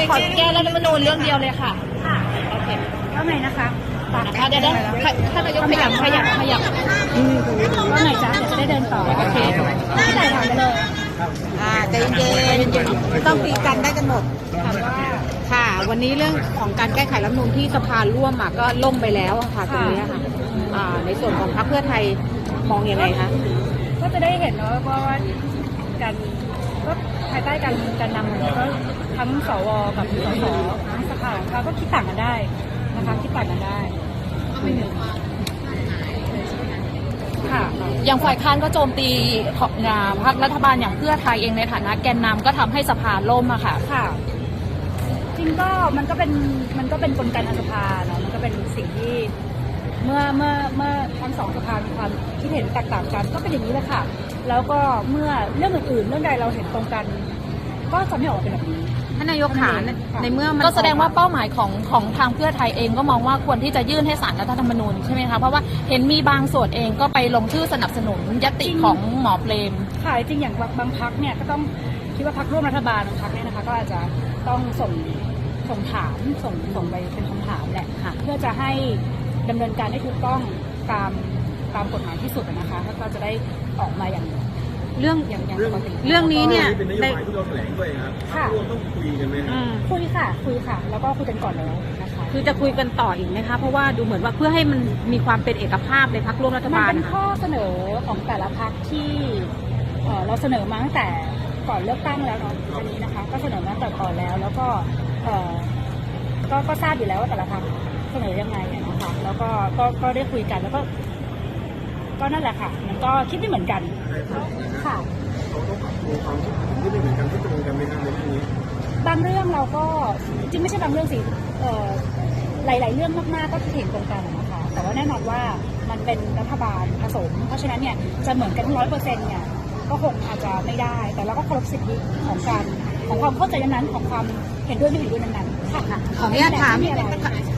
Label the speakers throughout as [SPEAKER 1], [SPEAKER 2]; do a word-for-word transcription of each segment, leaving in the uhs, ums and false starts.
[SPEAKER 1] ขอแก้รัฐธรรมนูญเรื่องเดียวเลยค่ะ
[SPEAKER 2] ค่ะ
[SPEAKER 1] โอเค
[SPEAKER 2] ว่าไงนะคะ
[SPEAKER 1] นะคะเดี๋ยวนะท่านนายกขยับขยับขยับ
[SPEAKER 2] ว่าไงจ๊ะเดี๋ยวจะได้เดินต่อโอเคไม่ได้ถามไปเลย
[SPEAKER 3] อ่าใจเย็นๆต้องคุยกันได้กันหมด
[SPEAKER 2] ถามว่า
[SPEAKER 3] ค่ะ วันนี้เรื่องของการแก้ไขรัฐธรรมนูญที่สภาร่วมอ่ะก็ล่มไปแล้วอะค่ะตรงนี้ค่ะอ่าในส่วนของพรรคเพื่อไทยมองยังไงคะ
[SPEAKER 2] ก็จะได้เห็นเนาะว่าการก็ภายใต้การการนำของก็ทั้งสวกับสสทั้งสภาเขาก็คิดต่างกันได้นะคะคิดต่างกันได้ค่ะ
[SPEAKER 1] อย่างฝ่ายค้านก็โจมตีพรรครัฐบาลอย่างเพื่อไทยเองในฐานะแกนนำก็ทำให้สภาล่มอะค่ะ
[SPEAKER 2] ค่ะจริงก็มันก็เป็นมันก็เป็นกลไกในสภาเนาะมันก็เป็นสิ่งที่เมื่อเมื่อเมื่อทั้งสองสภามีความคิดเห็นแตกต่างกันก็เป็นอย่างนี้แหละค่ะแล้วก็เมื่อเรื่องอื่นๆเรื่องใดเราเห็นตรงกันก็จะไม่ออกมาเป็นแบบนี้
[SPEAKER 3] ท่านนายกขาในเมื่อมัน
[SPEAKER 1] ก็แสดงว่าเป้าหมายของของทางเพื่อไทยเองก็มองว่าควรที่จะยื่นให้ศาลรัฐธรรมนูญใช่ไหมคะเพราะว่าเห็นมีบางส่วนเองก็ไปลงชื่อสนับสนุนญัตติของหมอเปรม
[SPEAKER 2] ค่ะจริงอย่างบางพรรคเนี่ยก็ต้องคิดว่าพรรคร่วมรัฐบาลบางพรรคเนี่ยนะคะก็อาจจะต้องส่งส่งถามส่งส่งไปเป็นคำถามแหละค่ะเพื่อจะให้ดำเนินการได้ถูกต้องตามตามกฎหมายที่สุดนะคะแล้วก็จะได้ออกมาอย่าง
[SPEAKER 3] เรื่อง
[SPEAKER 2] อย่างอย่างปกติ
[SPEAKER 3] เรื่องนี้เนี่ย
[SPEAKER 4] เป็นนโยบายที่เราแถลงด้วยครับค่ะต้องคุยกันไหม
[SPEAKER 2] คุยค่ะคุยค่ะแล้วก็คุยกันก่อนแล้วนะคะ
[SPEAKER 3] คือจะคุยกันต่ออีกไหมคะเพราะว่าดูเหมือนว่าเพื่อให้มันมีความเป็นเอกภาพในพรรคร่วมรัฐบาล
[SPEAKER 2] มันเป็นข้อเสนอของแต่ละพรรคที่เราเสนอมาตั้งแต่ก่อนเลือกตั้งแล้วเนาะอันนี้นะคะก็เสนอมาตั้งแต่ก่อนแล้วแล้วก็ก็ก็ทราบอยู่แล้วว่าแต่ละพรรคเสนอยังไงนะคะแล้วก็ก็ก็ได้คุยกันแล้วก็ก็นั่นแหละค่ะมันก็คิดไม่เหมือนกันค่ะ
[SPEAKER 4] เราต้องปรับปรุงความคิดที่ไม่เหมือนกันที่ตรงกันไหมครับในเรื่องนี้
[SPEAKER 2] บางเรื่องเราก็จริงไม่ใช่บางเรื่องสิหลายๆเรื่องมากๆก็เห็นตรงกันนะคะแต่ว่าแน่นอนว่ามันเป็นรัฐบาลผสมเพราะฉะนั้นเนี่ยจะเหมือนกันทั้งร้อยเปอร์เซ็นต์เนี่ยก็คงอาจจะไม่ได้แต่เราก็เคารพสิทธิของการของความเข้าใจนั้นของความเห็นด้วยไม่เห็นด้วยนั้นๆค่ะ
[SPEAKER 3] ขออนุญาตถาม
[SPEAKER 2] มีอะไร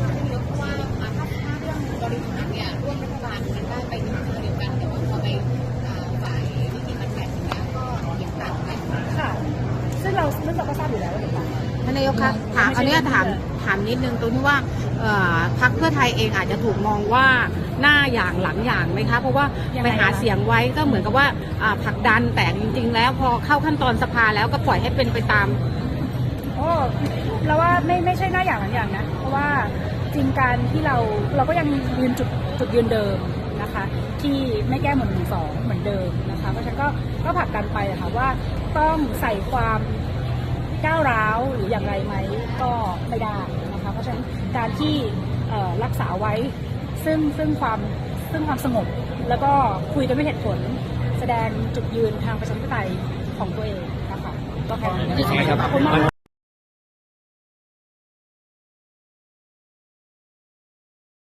[SPEAKER 2] ซึ่งเราซึ่งเราก็ทราบอยู่แล้วว่าเด็กต่าง
[SPEAKER 3] ท่านนายกคะถามอันนี้ถามถามนิดนึงตรงที่ว่าพรรคเพื่อไทยเองอาจจะถูกมองว่าหน้าอย่างหลังอย่างไหมคะเพราะว่าไปหาเสียงไว้ก็เหมือนกับว่าผลักดันแต่จริงๆแล้วพอเข้าขั้นตอนสภาแล้วก็ปล่อยให้เป็นไปตาม
[SPEAKER 2] โอ้เราว่าไม่ไม่ใช่หน้าอย่างหลังอย่างนะเพราะว่าจริงการที่เราเราก็ยังยืนจุดจุดยืนเดิมนะคะที่ไม่แก้หมวดหนึ่งสองเหมือนเดิมนะคะเพราะฉะนั้นก็ก็ผลักดันไปค่ะว่าต้องใส่ความก้าวร้าวหรืออย่างไรไหมก็ไม่ได้นะคะเพราะฉะนั้นการที่รักษาไว้ซึ่งซึ่งความซึ่งความสงบแล้วก็คุยกันด้วยเหตุผลแสดงจุดยืนทางประชาธิปไตยของตัวเองนะคะก็แค่นี้ขอบคุณมาก